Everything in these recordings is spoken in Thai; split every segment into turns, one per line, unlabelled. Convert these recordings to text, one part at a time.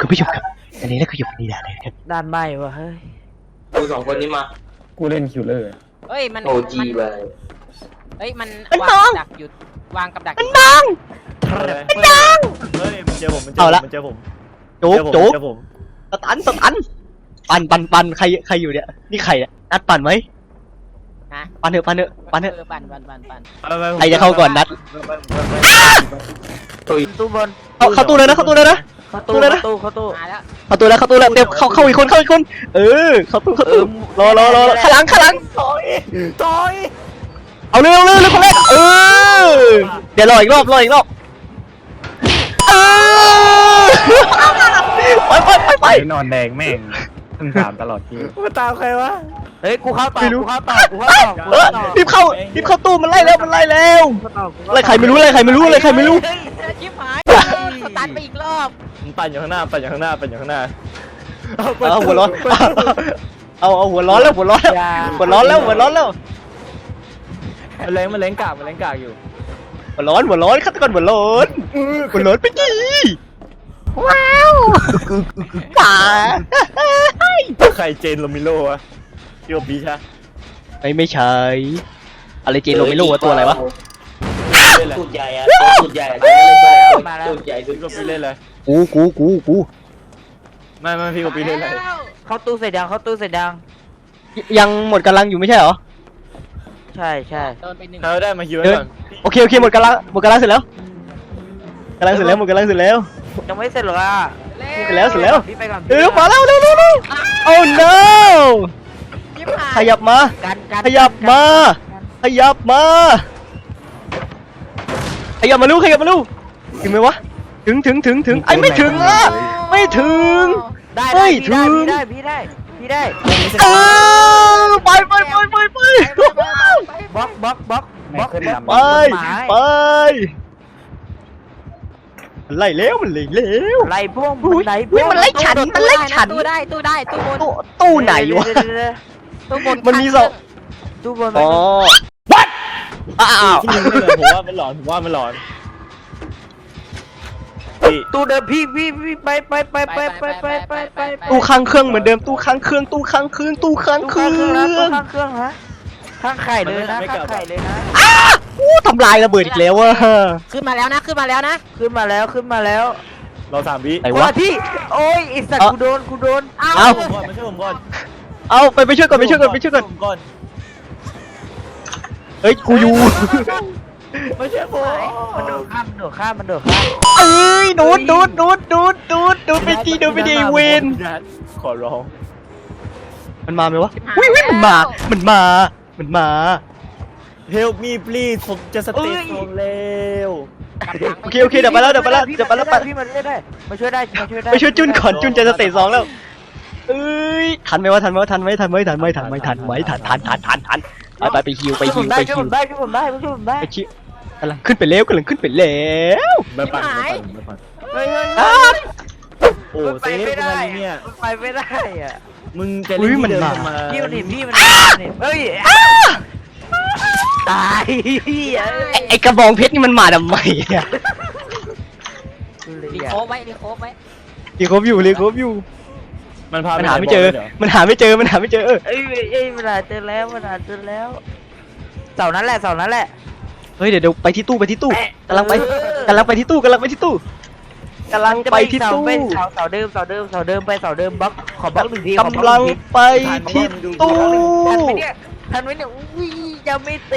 คุณผู้ชมครับอันนี้แล้วก็อยู่ในด่านเลยครับ
ด้านไหม้วะเฮ้ย
กูสองคนนี้มา
กูเล่นคิวเลอร์
เฮ้ยมัน
โอจีไป
เฮ้ยมันวางกับดักหยุดวางกับดัก
มันบัง
เฮ้ยมันเจอผมมันเจอ
เอา
ผม
ละ
มันเจอผม
จุกจุก
เจอผม
สตันปั่นใครอยู่เนี่ยนี่ใครเนี่ยนัดปั่นไหม
ฮะ
ปั่นเถอะปั่น
ปั่น
ใครจะเข้าก่อนนัด
ตู้บน
เข้าตู้เลยนะเข้าตู้เลยนะ
เข้าตู้
เลยนะ
เข้าตู้
มาแล้ว
เข้าตู้แล้วเดี๋ยวเข้าอีกคนเออเข้าตู้รอข้างหลัง
ต่อย
เอาเร็วคนแรกเออเดี๋ยวรออีกรอบเออไป
นอนแดงแม่งต้องถามตลอดคิวมาตามใครวะ
เฮ้ยกูเข้าต่อ
รีบเข้าตู้มันไล่แล้วไล่ใครไม่รู้
ชิบหายสตันไปอีกรอบ
มันปั่นอยู่ข้างหน้า
เอาหัวร้อนเอาหัวร้อนแล้วมันแรงกากอยู่หัวร้อนฆาตกรหัวร้อนไปกี่ว้าวป่า
ใครเจนโรมิโลวะโยบีชะ
ไม่ใช่อะไรเจนโรเมโลตัวอะไรวะ
ตูดใหญ่อะตูดใหญ่ตูดใหญ่
พี่โกปีเล่นอะไร
กู
ไม่พี่โกปีเล่นอะไร
เข้าตู้เสร็จยัง
ยังหมดกำลังอยู่ไม่ใช่เหรอ
ใช่
โดนไปหนึ่ง
เราได้มาคิวไว้ก่อน
โอเคหมดกำลังเสร็จแล้วหมดกำลังเสร็จแล้ว
ยังไม่เสร็จหรออ่ะ
เสร็จแล้ว
พี่ไปก่อน
มาแล้วเร็วโอ้ no
ชิบหาย
ขยับมาขยับมาลูกถึงไหมวะถึงไอ้ไม่ถึงอ่ะไม่ถึง
ได้พี่ได้
ไป
บล็อก
ไปมันไล่แล้วมันไล่
ไล่พวก
มันไล่ฉัน
ตู้ได้ตู้บน
ตู้ไหนวะ
ตู้บน
มันมีสอง
ตู้บน
อ๋อ what อ้าว
ที่ยิงไม่เลยผมว่ามันหลอนพี่
ตู้เดิมพี่ไป
ตู้ข้างเครื่องเหมือนเดิมตู้ข้างเครื่องฮะ
ข้างไข่เลยนะ
ทำลายระเบิดอีกแล้วอะ
ขึ้นมาแล้วนะ
ขึ้นมาแล้ว
เรา3 วิ
ไหน
คน
วะ
ละที่โอ้ยไอสัตว์กูโดน
เอา
มาช่วยผมก่อน
เอาไปช่วยก่อนเฮ้ยกูอยู่
ไม่ใช่ผม
มันโดดข้าม
เอ้ยดูดไปดีเวน
ขอร้อง
มันมาไหมวะวิมันมา
Help me please ผมจะสเตจเร็ว
โอเคเดี๋ยวไปแล้ว
พี่มาได้มาช่วยได้
ไปช่วยจุนก่อนจุนจะสเตจ2แล้วเอ้ยทันไหมทันไปฮิว
ช่วยผมได้ช่วยผมได้
ไปชิกำลังขึ้นไปแล้ว
มาปั่น
เฮ้ย
โอ้เซฟเป็นอะไรเนี่ย
ไปไม่ได้อ่ะ
มึงจะเล่นที่เดิมมา
พี่มันเฮ้ยตาย
ไอกระบองเพชรนี่มันมาทำไมอะ
รีโคฟไว้
รีครบอยู่
มันพา
มันหาไม่เจอมันหาไม่เจอ
เอ้ยเวลาเจอแล้วเสานั้นแหละ
เฮ้ยเดี๋ยวไปที่ตู้กำลังไปที่ตู้
เสาเดิมไปเสาเดิมบล็อกขอบล็อก1 ที
กำลังไปที่ตู้
ทันไหมเนี่ยอุ้ยจะไม่ตี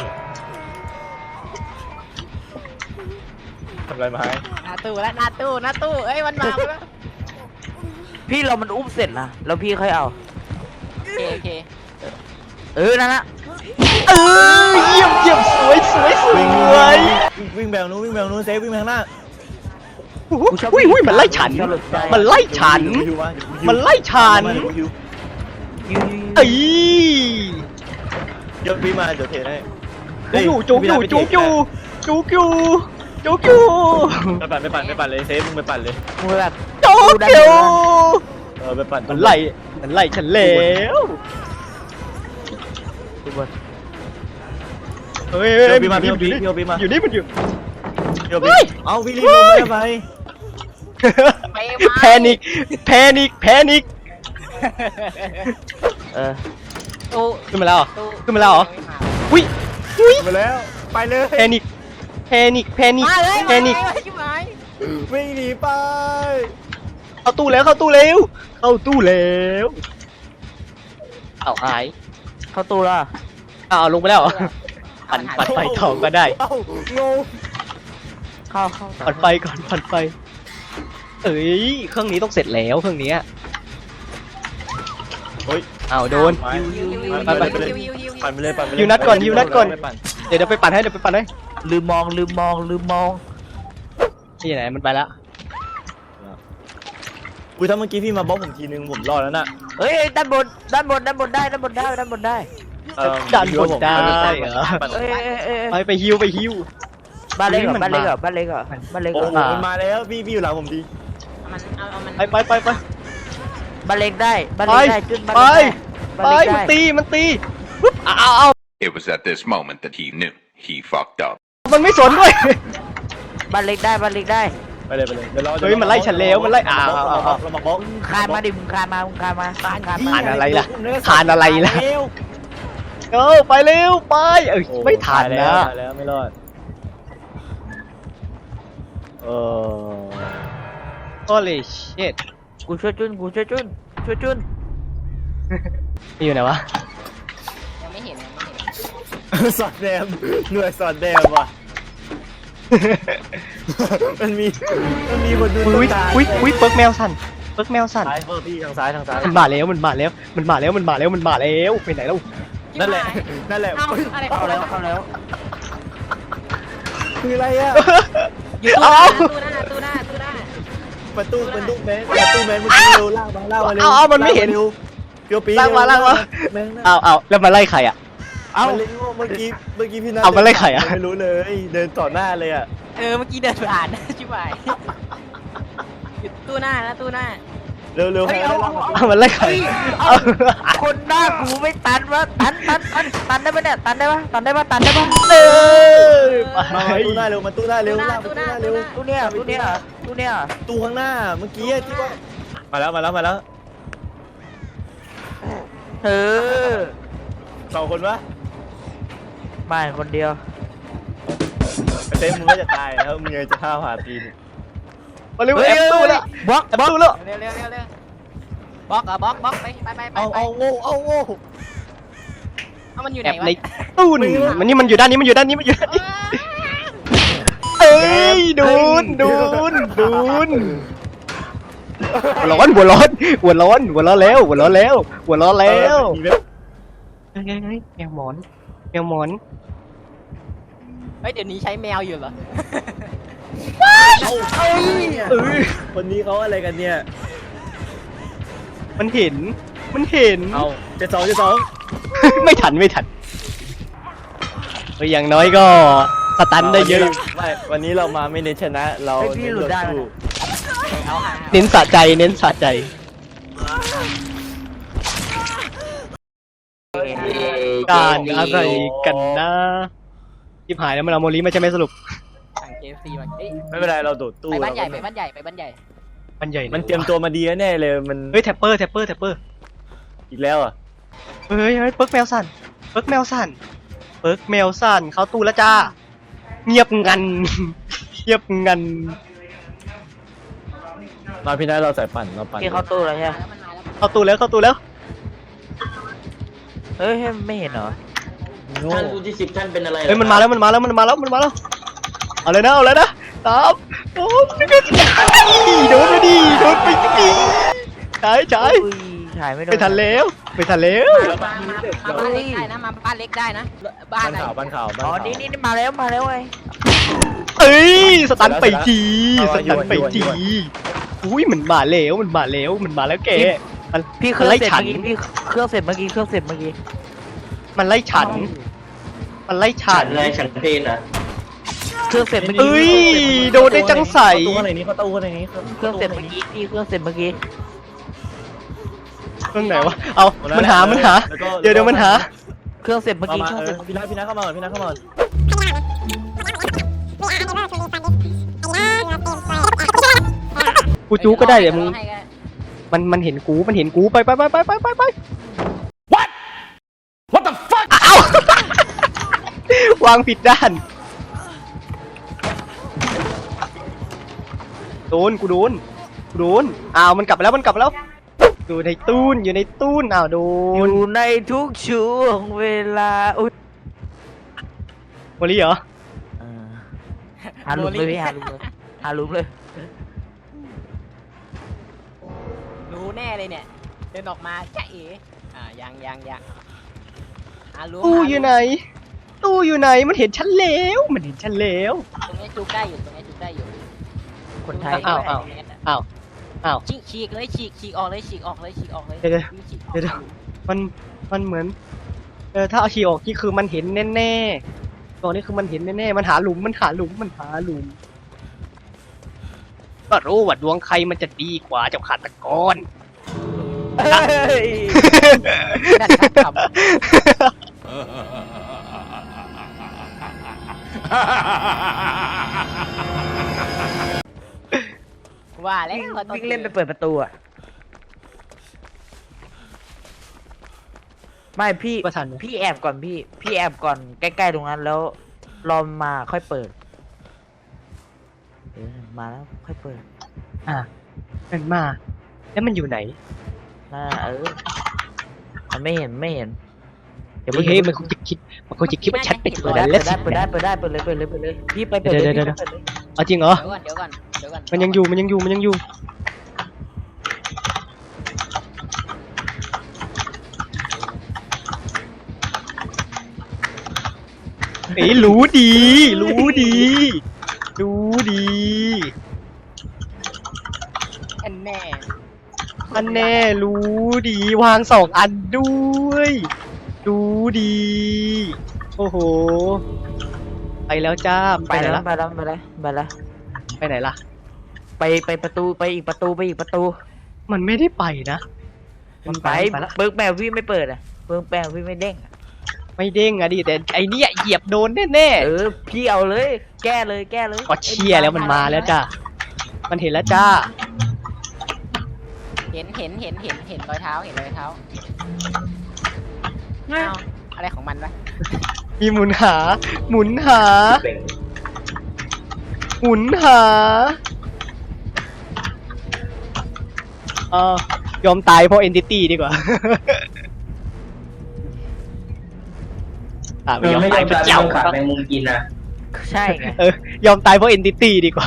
ทำอะไรมาให้
หน้าตู้เอ้ยมันมาแล้ว
พี่เรามันอุ้มเสร็จนะแล้วพี่ค่อยเอา
โอเค
นั่นละ
เยี่ยมสวย
วิ่งแบงนู้นเซฟวิ่งไปข้างหน้า
อุ้ยมันไล่ฉันเอ้ย
เดี๋ยวพี่มาเดี๋ยวเทให้
จุกอยู่
ไปปั่นเลยเซฟมึงไปปั่นเลย
มือแบบ
โจ๊กอยู่
ไปปั่น
มันไล่ฉันแล้วเฮ้ยอยู่นี่มันอยู่
เดี๋ยวพี่เอาวิ่งรีบลงไป
ไป
แพนิกแพนิกแพนิก
ตู้
ขึ้นมาแล้วเหรอ
ตู้
ขึ้นมาแล้วเหรออุ้ยอุ้ย
มาแล้วไปเลย
แพนิกแพนิกแพนิก
มาเลย
แพนิก
ชิบหาย
วิ่งหนีไป
เข้าตู้แล้วเข้าตู้เร็วเข้าตู้แล้วเอาหาย
เข้าตู้แล้ว
เอาลงไปแล้วเหรอปั่นไฟทองก็ได้
เอ้างง
เข้า
ปั่นไฟก่อนปั่นไฟเอ้ยเครื่องนี้ต้องเสร็จแล้วเครื่องนี้
เฮ้ย
เอาโดน
ไป
ไปไป
ไปเลยปั่นไปเลยปั่นไปเลย
ฮิวนัดก่อนฮิวนัดก่อน
ไปปั่
เดี๋ยวไปปั่นให้เดี๋ยวไปปั่นให้
ลืมมอง
ที่ไหนมันไปแล้ว
อุ้ยถ้าเมื่อกี้พี่มาบล็อกผมทีนึงผมรอดแล้วน่ะ
เฮ้ยด้านบนได้ด้านบนได้
ดันบนได้เหรอ ไปฮิวไปฮิว
บ้านเล็กเหรอ
มัน
บ้านเล็กเหรอ
มา
บ้านเล็กเหรอบ้านเล็ก
โอ้
เหรอ
โหมันมาแล้วพี่อยู่หลังผมดี
มันเอามัน
ไป
บ้านเล็กได้บ้านเล็กได้จุดบ้าน
ไป
เล็ก
ไป
ได้บ้านเล็ก
มัน
ได้
ตีมันตีปุ๊บเอา
It was at this moment that he knew he fucked up.
มันไม่สนด้วย
บ้านเล็กได้บ้านเล็กได้
ไปเลยเดี๋ยวเรา
เฮ้ยมันไล่ฉันแล้วมันไล่เอา
เรามาบล็อก
คานมาดิมึงคานมาคานมา
คานอะไรล่ะคานอะไรล่ะไปเร็วไปไม่ทันนะ
ตายแล้วไม่รอดเออ
holy shit
กูช่วยจุน
นี่อยู่ไหนวะ
ยังไม่เห็น
สอดแดมหน่วยสอดแดมว่ะมันมีคนดู
อุ้ยเปิร์กแมวสั่นเปิร์กแมวสั่น
ซ้ายเพิ่มพี่ทางซ้าย
มันมาแล้วไปไหนแล้ว
นั่นแหละ
เอาอะไร
เข้าแล้ว
คืออะไรอ่ะ
อยู่ตู้หน้า
ประตูแมนเมื่อกี้เร็วลากมาเร็วเปียวปี
ลากมาเอาแล้วมาไล่ใครอ่ะ
เมื่อกี้พี่นัท
เอามาไล่ไข่อะ
ไม่รู้เลยเดินต่อหน้าเลยอ่ะ
เมื่อกี้เดินผ่านชิบหายอยู่ตู้หน้า
เร็วใครได้ลากมา
เอามาไล่ใคร
คนหน้ากูไม่ตันวะตันได้ปะเนี่ยตันได้ปะ
มาตู้หน้าเร็วมาตู้หน้าเร็วลากมาตู้หน้าเร็ว
ตู้เนี่ย
ตู้ข้างหน้าเมื่อกี้ที่ว่ามาแล้ว สองคนวะ
บ้านคนเดียว
เต้มึงก็จะตายแล้วมึงยังจะฆ่าผ่าตีน
มาเร็วแอบตู้แล้ว
บล็อก
แอบตู้แล้ว
เร็วบล็อกบล็อกไป
เอาโง่
เอามันอยู่ไห
แอน บ
วะ
ในตู้นมันอยู่ด้านนี้เอ้ยดูนหัวร้อนแล้วแมวหมอน
เฮ้ยเดี๋ยวนี้ใช้แมวอยู่เหรอ
คนนี้เขาอะไรกันเนี่ย
มันเห็น
เอาเจ็ดสอง
ไม่ทันอย่างน้อยก็สตันได้เยอะ
ไม่วันนี้เรามาไม่เน้นชนะเราเน้นสู้
เอาหา
เน้นสะใจการอะไรกันนะที่หายแล้วมันเอาโมลีมาใช่ไหมสรุป
สั่งเกมฟรีมาเอ้ย
ไม่เป็นไรเราโดดตู้
ไปบ้านใหญ่
มันใหญ่
มันเตรียมตัวมาดีแน่เลยมัน
เฮ้ยแท็ปเปอร์
อีกแล้วอ่ะ
เฮ้ยเปิร์กแมวสั่นเข้าตู้แล้วจ้าเงียบงัน
มาพี่นัทเราใส่ปั่นเราปั่น
ที่เข้าตู้แล้วใช่ไหม
เข้าตู้แล้ว
เฮ้ยไม่เห็นเหรอ
ท่านผู้ที่10ท่านเป็นอะไร
เฮ้ยมันมาแล้วเอาเลยนะตามโอ้ยโดนไปดิใช่
ถ่ายไม่โดน
ไม่ทันแล้ว
มาบ้านเล็กได้นะมาบ้านเล็กได้นะบ้าน
บ้านข่าว
อ๋อนี่มาแล้วไง
เอ้ยสตันไปทีอุ้ยมันมาแล้วแก
พี่เครื่องเสร็จเมื่อกี้เครื่องเสร็จเมื่อกี้
มันไล่ฉัน
อะไรฉันเพลนอ่ะ
เครื่องเสร็จเมื่อกี้
เอ้ยโดนได้จังใส
ตู้อะไรนี้เขาตู้อะไรนี้
เครื่องเสร็จเมื่อกี้พี่เครื่องเสร็จเมื่อกี้
เครื่องไหนวะเอามันหาเดี๋ยวมันหา
เครื่องเสร็จเมื่อกี้
พี่นัทเข้ามาก่อน
กูกูจูก็ได้เดี๋ยวมึง
ให้ก็
มันเห็นกูไปWhat the fuck อ้าว วางผิดด้านกูโดนอ้าวมันกลับมาแล้วอยู่ในตู้นอ้าวโด
อน ยู่ในทุกช่วงเวลาอุ้ย
โมลี่เหรอ
หาหลุมเลยพี่หาหลุมเลย
รู้แน่เลยเนี่ยเดินออกมาจ้าเอ๋ยังรู้
ตู้อยู่ไหนมันเห็นฉันแล้ว
ตรงนี้จุกได้อยู่
คนไทย
อ้าว
ฉีกเลยฉีกออกเลย
เดี๋ยวมันเหมือนถ้าเอาฉีกออกนี่คือมันเห็นแน่ๆตอนนี้คือมันเห็นแน่ๆมันหาหลุมก็รู้ว่าดวงใครมันจะดีกว่าเจ้าฆาตกร
นั่นครับว่าแล้ว
วิ่งเล่นไปเปิดประตูอ่ะไม่พี่
ว่าทันไหม
พี่แอบก่อนพี่แอบก่อนใกล้ๆตรงนั้นแล้วรอมาค่อยเปิดมาแล้วค่อยเปิด
มันมาแล้วมันอยู่ไหน
มันไม่เห็นเดี๋ยว
เฮ้ยมันคงจะคิดว่าฉันเป็นตัวนั้นแล้วสิ
เปิดเลยพี่ไปเปิดเลย
เดี๋ยวเอาจริงเหรอ
เดี๋ยวก่อน
มันยังอยู่เอ้ยรู้ดี
อันแน่
อันแน่รู้ดีวาง2 อันด้วยรู้ดีโอ้โหไปแล้วจ้า
ไปแล้ว
ไปไหนล่ะ
ไปประตูไปอีกประตู
มันไม่ได้ไปนะ
มันไป
แล้ว
เบิร์กแมวพี่ไม่เปิดอ่ะเบิร์กแมวพี่ไม่เด้ง
ไม่เด้งอะดิแต่ไอเนี้ยเหยียบโดนแน่
พี่เอาเลยแก้เลย
ๆก็เชียร์แล้วมันมาแล้วจ้ามันเห็นแล้วจ้า
เห็นรอยเท้าอ้าวอะไรของมันวะ
มีหมุนหายอมตายเพราะ entity ดีกว่า ไม่ยอมตายเพราะเจ้า
ขาดแมงมุมกินนะ
ใช่ไง
ยอมตายเพราะ entity ดีกว่า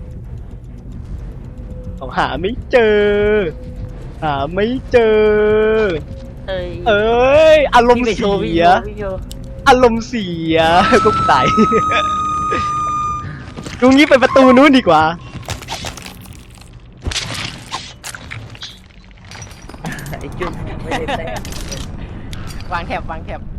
ผมหาไม่เจอ
เอ้ย
อารมณ์เสียก็ตาย ดูงี้ไปประตูนู้นดีกว่า
ไอ้จุ๊บไม่ได้แต้ม
วางแถบ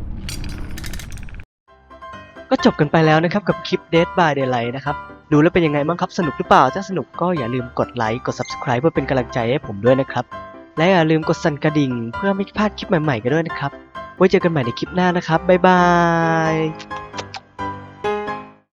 ก็จบกันไปแล้วนะครับกับคลิป Dead by Daylight นะครับ ดูแล้วเป็นยังไงบ้างครับสนุกหรือเปล่าถ้าสนุกก็อย่าลืมกดไลค์กด Subscribe เพื่อเป็นกำลังใจให้ผมด้วยนะครับและอย่าลืมกดสั่นกระดิ่งเพื่อไม่พลาดคลิปใหม่ๆกันด้วยนะครับไว้เจอกันใหม่ในคลิปหน้านะครับบ๊ายบาย